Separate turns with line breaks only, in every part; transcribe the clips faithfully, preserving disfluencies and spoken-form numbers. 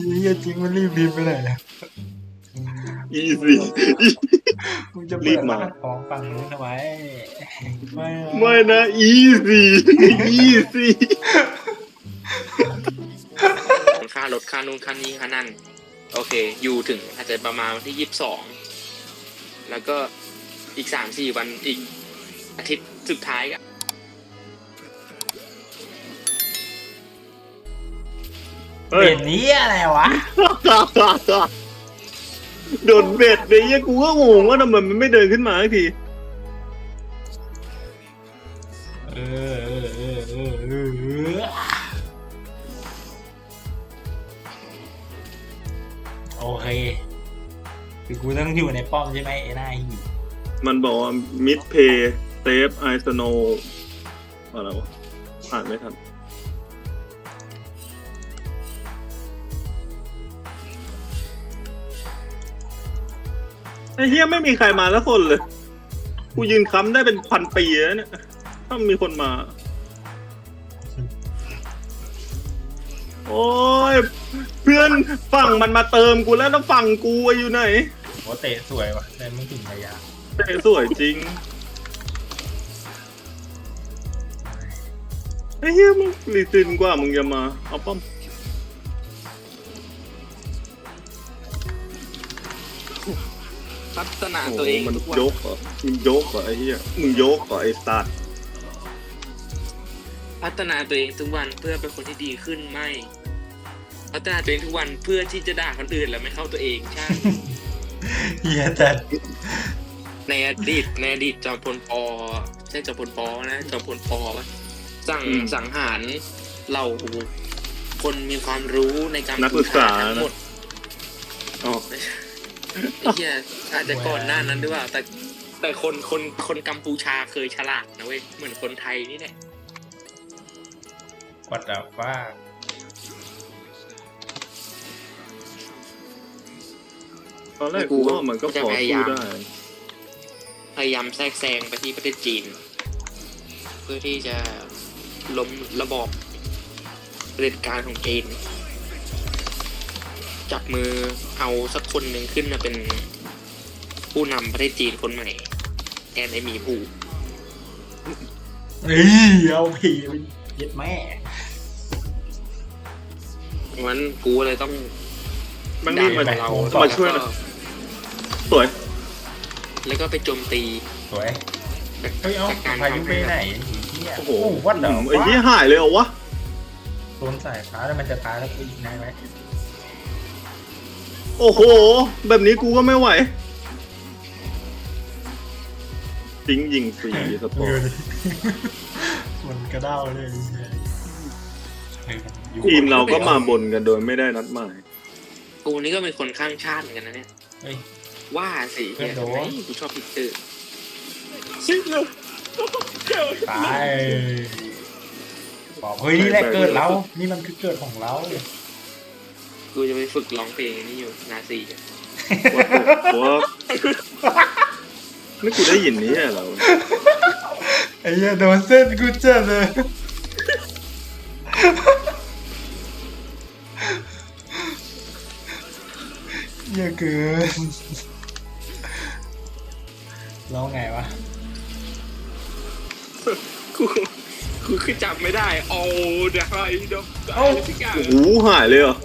เฮียจริงมันรีบบินไปไหนนะ
อีซี่
มึงจะเปิดร้านของฝั่งนู้นทำไมไม่
ไม่นะอีซี่อีซี่
ค่ารถค่านู่นค่านี้ค่านั่นโอเคอยู่ถึงอาจจะประมาณวันที่ยี่สิบสองแล้วก็อีกสามสี่วันอีกอาทิตย์สุดท้ายอะ
เปลี่ยนนี้อะไรวะ
โดนเบ็ดเลยเนี่ยกูก็งงว่าทำไมมันไม่เดินขึ้นมาสักที
เออเออเออเออเออเออโอเคคือกูต้องอยู่ในป้อมใช่ไหมไอ้หน้าหิว
มันบอกว่ามิดเพย์เซฟไอสโนอะไรวะอ่านไม่ทันไอ้เฮียไม่มีใครมาสักคนเลย กูยืนค้ำได้เป็นพันปีแล้วเนี่ย ถ้ามีคนมา โอ้ย เพื่อนฝั่งมันมาเติมกูแล้วแล้วฝั่งกูอยู่ไหน
โอ้เตะสวยว่ะแต่ไม่ถึงระยะ
เตะสวยจริงไอ้เฮียมึงรีซินกว่ามึงจะมา เอาป้อม
พัฒนา
โอ้
ตัวเอง
มัน
ทุกวัน
ยกเหรอมึงยกเหรอไอ้เหี้ยมึงยกเหรอไอ้สัตว์
พัฒนาตัวเองทุกวันเพื่อเป็นคนที่ดีขึ้นไม่พัฒนาตัวเองทุกวันเพื่อที่จะด่าคนอื่นแล้วไม่เข้าตัวเองใช่
เฮียแต่
ในอดีตในอดีตจอมพลปอใช่จอมพลปอนะจอมพลปอปะสั่งสังหารเราคนมีความรู้ในการ
นักศึกษา
ทั้งหมด
อ๋อ
ไอ้เหี้ยอาจจะก่อนหน้านั้นด้วยว่าแต่แต่คนคนคนกัมพูชาเคยฉลาดนะเว้ยเหมือนคนไทยนี่แหละ
กดดับว่า
ตอนแรกกูว่ามันก็พอสู้ได้
พยายามแทรกแซงไปที่ประเทศจีน เพื่อที่จะล้มระบอบเผด็จการของจีนจับมือเอาสักคนหนึ่งขึ้นมาเป็นผู้นำประเทศจีนคนใหม่แทนไอหมีผู้
เฮ้ยเอาผีไปเย็ดแม่
งั้นกูเลยต้อง
มันนี่มา
ดัเรา
มาช่วยหน่อยสวย
แล้วก็ไปโจมตี
สวยเฮ้ยเอ้าพายุไปไหนเฮีย
โอ้โห
วัดเดา
ไอ้เหี้ยหายเลยเหรอวะ
โดนสายฟ้าแล้วมันจะตายแล้วกูอีกนายไหม
โอ้โห แบบนี้กูก็ไม่ไหวทิ้งยิงฟรีสปอร์ต
มันกระเด้าเลย
ทีมเราก็มาบนกันโดยไม่ได้นัดหมาย
กูนี่ก็เป็นคนข้างชาติเหมือนกันนะเนี่ย
เฮ้ย
ว่าสิเนี่ยทำไมกูชอบพิกเตอร์
ตายบอกเฮ้ยนี่แหละเกิดเรานี่มันคือเกิดของเรา
กูจะไปฝึกร้องเพลงนี่อยู่นาซี
ว่าไม่กูได้ยินนี้เหรอ
ไอ้เหี้ยโดนเส้นกูเจ็บเลยเยอะเกินร้องไงวะ
กูกูคือจำไม่ได้โอ้เดี๋ยวอะไรเดี๋ยว
เอ้า
ทุกอย่าง
โอ้โหหายเลยเหรอ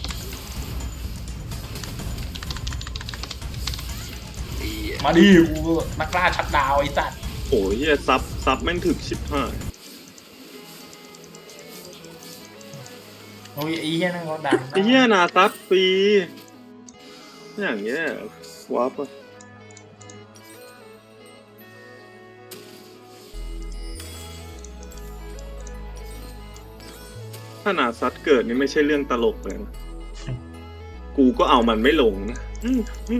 มาดิกูนักล่าชัดดาวไอ้สัตว์
โอ้ยเหี้ยซับซับแม่งถึกชิบหาย
โอ้ยไอ้เหี้ยนั่นเขาดัง
ไอ้เหี้ยนาซับฟรีอย่างเงี้ยวับอะถ้านาซัดเกิดนี่ไม่ใช่เรื่องตลกเลยนะ กูก็เอามันไม่ลงนะอืมอืม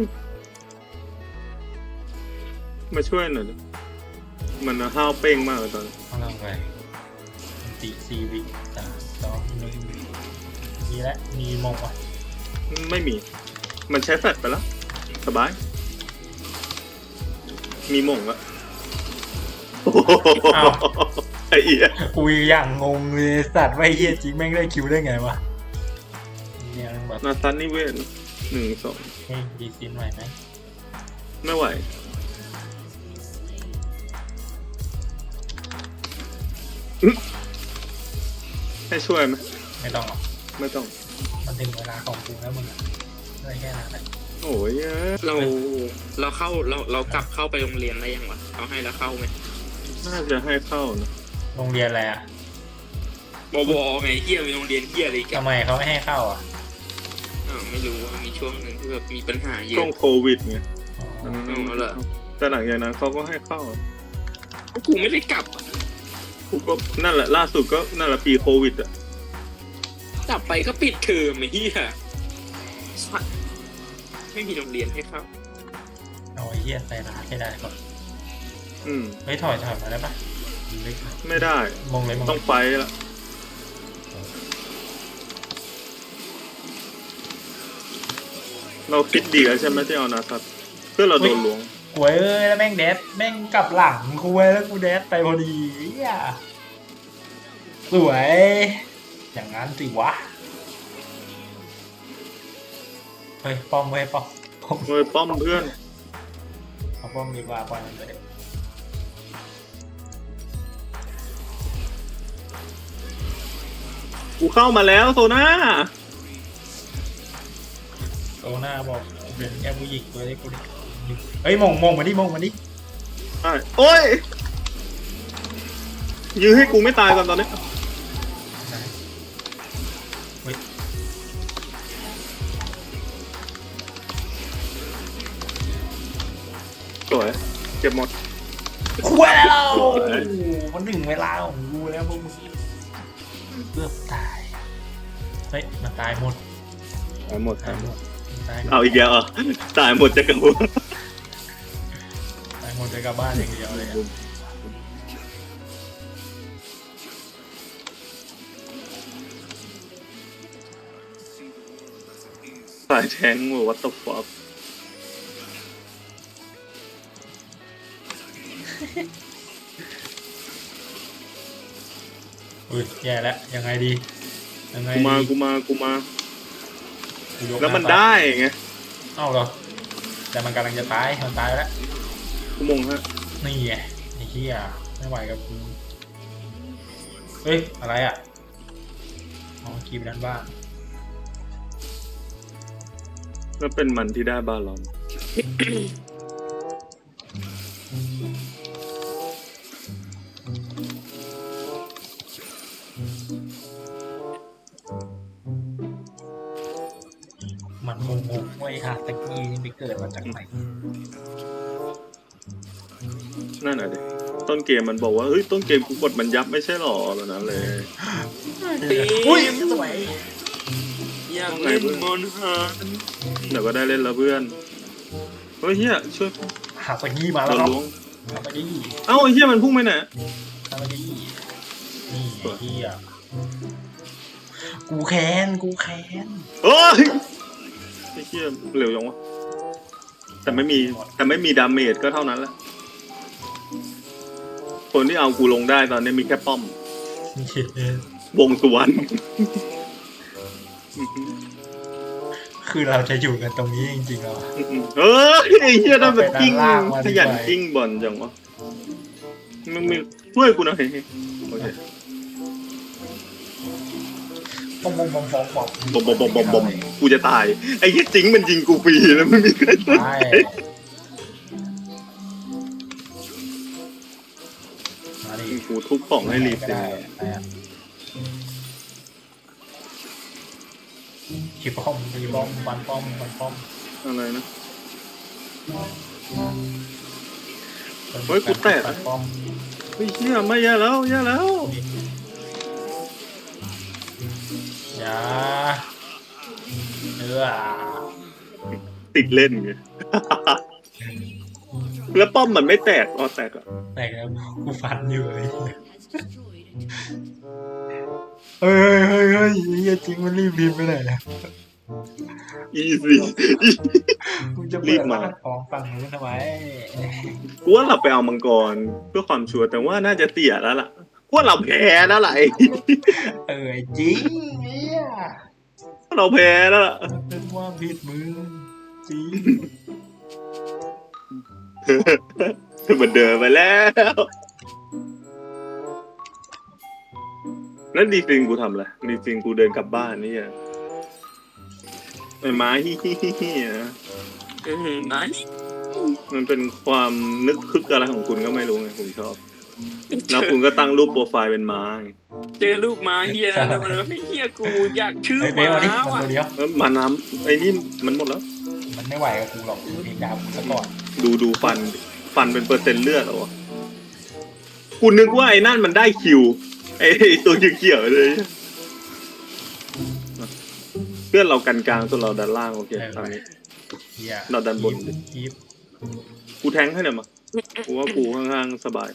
มาช่วยหน่อยดิมันห้าวเป้งมากเลยตอนนี้
เอาลงไปตีซีวิสามสองหนึ่งมีแล้วมีมงวะ
ไม่มี มันใช้แฟลชไปแล้ว สบาย มีหม่งละโอ้โหไอ้เหี้ย
กูอย่างงงเลยสัตว์ว่าไอ้เหี้ยจริงแม่งได้คิวได้ไงวะเนี่ยมันแบบ
นาซันนิเวศหนึ่งสอง
เฮ้ยดีซินไหวไหม
ไม่ไหวอื้อให้ช่วยไหม
ไม่ต้องหรอก
ไม่ต้อง
มันถึงเวลาของกูแล้วมึงอะอะไรแค่นั้นแหละ
โอ้ยเอ้ย
เราเราเข้าเราเรากลับเข้าไปโรงเรียนได้ยังวะเขาให้เราเข้าไหม
น่าจะให้เข้านะ
โรงเรียนอะไรอ่ะ
บวไงเฮียมีโรงเรียนเฮียอะไรกั
ทำ
น
ไมเขาไม่ให้เข้าอ่ะ
อ้าวไม่รู้ว่ามีช่วงหนึ่งที่แบบมีปัญหาเย
ช่ว
อะ
งโควิดไง
อ๋อ
อืม
เอาเหรอ
แต่หลังจากนั้นเขาก็ให้เข้า
กูไม่ได้กลับอะ
กูก็นั่นแหละล่าสุดก็นั่นแหละปีโควิดอ่ะ
กลับไปก็ปิดเทอมไอ้เฮียสัตว์ไม่มีโรงเรียนให้เข้า
เอาไอ้เหี้ยใส่ร้านให้ได้ก่อน
อืม
เฮ้ยถอยถอยมาได้ปะ
ไม่ได้
มงเลยมง
ต้องไฟละเราคิดดีแล้วใช่ไหมที่เอานาซัตเพื่อเราโดนล้วง
กวยเอ้ยแล้วแม่งแดดแม่งกลับหลังกูเว้ยแล้วกูแดดไปพอดีอ่ะสวยอย่างนั้นสิวะเฮ้ยป้อมเว้ยป้อมป้อม
เฮ้ยป้อมเพื่อน
เอาป้อมดีกว่าป้อมมันไปเดี๋ยว
กูเข้ามาแล้วโซน่า
โซน่าบอกเป็นแค่ผู้หญิงตัวเล็กกูดิเฮ้ยมงมงมาดิมงมาดิ
ใช่โอ้ยยื้อให้กูไม่ตายก่อนตอนนี้
เฮ้ย
สวยเก็บหมด
ว้าวมันถึงเวลาของกูแล้วพวกมึงเกือบตายเฮ้ยมันตายหมด
ตายหมด
ตายหมดตายหมด
เอาอีกแล้วเหรอตายหมดจะกระหัว
ตายหมดจะกลับบ้านอย่างเดียวเลยอะ
สายแทงวัตถุฟอก
อุ้ยแย่แล้วยังไงดียังไง
กูมา
ดี
กูมากูมา
กูยก
แล้วมัน
หา
ได้ไง
เอ้าเหรอแต่มันกำลังจะตายมันตายแล้ว
กูมงฮะ
นี่ไงไอ้เหี้ยไม่ไหวกับกูเฮ้ยอะไรอ่ะอ๋อกีบด้านบ้าน
แล้วเป็นมันที่ได้บาลอน
มันงงๆไว้ค่ะตะกี้นี่ไปเกิดมาจากไหน
นั่นแหะดิต้นเกมมันบอกว่าเฮ้ยต้นเกมกูกดมันยับไม่ใช่หรอแบบนั้นเลย
อุ้ยสวย
อยากเล่นบอลฮาร์ด
เดี๋ยวก็ได้เล่นแล้วเพื่อนเฮ้ยเฮียช่วย
หาตะกี้มา
เรา
แล้วครับ
ล้วง
หาตะกี้
เอ้าไอ้เฮียมันพุ่งไปไหน
หาตะกี้นี่ไอ้เหี้ยกูแค้นกูแค้น
เฮ้ยไอ้เฮียเร็วยังวะแต่ไม่มีแต่ไม่มีดาเมจก็เท่านั้นแหละคนที่เอากูลงได้ตอนนี้มีแค่ป้อม วงสุวรรณ
คือเราจะอยู่กันตรงนี้จริงๆแล้วอะ
เฮ้ยไอ้เฮียนั่นแบบกิ้ง
เอาไปด้านล่างมา
ข
ดีกว่า
ยันกิ้งบอลจังวะมึงมีช่วยกูหน่อยโอเค
บอมบอมบอมบอมบอม
บอมบอมบอมบอมบอมกูจะตายไอ้เฮียจิงมันยิงกูฟรีแล้วไม่มีใครสน
ใช่
ใจ
มาดิ
กูทุบของให้รีบ
ก็
เลย
ได้ได้อะขีป้อมตีป้อมบันป้อมบันป้อม
อะไรนะ เฮ้ยกูแตะ
บันป้อม
เฮ้ยเฮียไม่แย่แล้วแย่แล้ว
อย่าเนื้อ
ติดเล่นไง แล้วป้อมมันไม่แตกอ๋อแตกอ่ะ
แตกแล้วกูฟันอยู่เลยเฮ้ยเฮ้ยเฮ้ยเฮียจริงมันรีบบินไปไหนนะ
อีซี่
มึงจะ
รี
เปิ
บ
ด
มา
ร้านของฝั่งนู้นทำไม
กูว่าเราไปเอามังกรเพื่อความชัวร์แต่ว่าน่าจะเตี่ยแล้วล่ะกูว่าเราแพ้แล้วล่ะไอ้
เออจริงเนี่ย
เราแพ้แล้วล่ะ
มันเป็นความผิดมึงจริง
มันเดินไปแล้วนั่นดีจริงกูทำอะไรดีจริงกูเดินกลับบ้านนี่อ่ะไอ้ไม้ฮิฮิฮิฮินะ
อืมนะ
มันเป็นความนึกคึกอะไรของคุณก็ไม่รู้ไงผมชอบแล้วคุณก็ตั้งรูปโปรไฟล์เป็นม้าไง
เจอลูกม้าเฮียแล้วมันไม่เฮียกูอยากชื่อ
เฮ้ยเบล
ม้า
มาดิมัน
ว่ะ
ตัวเดียว
แล้วมาน้ำไอ้นี่มันหมดแล้ว
มันไม่ไหวกับกูหรอกกูเองดาวกูซะก่อน
ดูดูฟันฟันเป็นเปอร์เซ็นต์เลือดเหรอวะกูนึกว่าไอ้นั่นมันได้คิวไอ้ตัวเขียวๆเลยเพื่อนเรากันกลางส่วนเราดันล่างโอเคตามนี้
เฮีย
เราดันบน
คีบ
กูแทงให้หน่อยมากูว่ากูข้างๆสบาย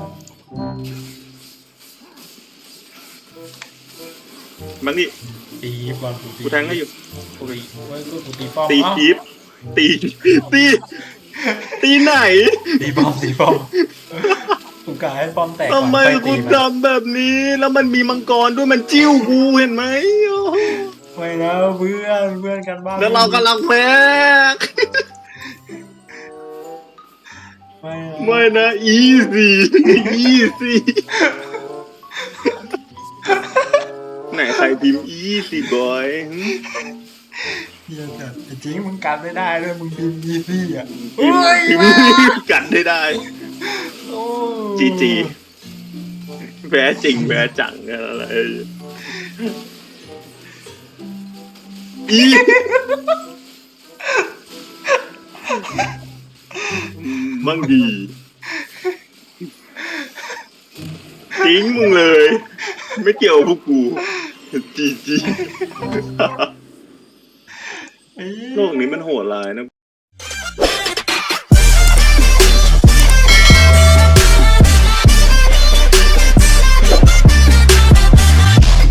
มันนี่
ตีบอลกูตี
กูแทงให้อยู่
กูตีเว้ยกูตีป้อม
ตี
เอ้า
คีบตีตีตีไหน
ตีป้อมตีป้อมกูกะให้ป้อมแตกก่อน
ทำไม
ค่อย
กู
ตีมัน
ทำแบบนี้แล้วมันมีมังกรด้วยมันจิ้วกูเห็นไหมโอ้โห
ไม่นะเพื่อนเพื่อนกันบ้าง
แล้วเรากำลังแพ้
ไม่นะ
ไม่นะ easy easy ไหนใครพิมพ์ easy boy
เฮียแต่จริงมึงกันไม่ได้ด้วยมึงพิมพ์ยีซี่อ่ะ
พิมพ์พิมพ์กัดได้ได้
โอ้
จีจีแพ้จริงแพ้จังอะไรอีมั่งดีทิ้งมึงเลย ไม่เกี่ยวกับพวกกูจีจี
เอ้ย
โลกนี้มันโหดร้ายนะ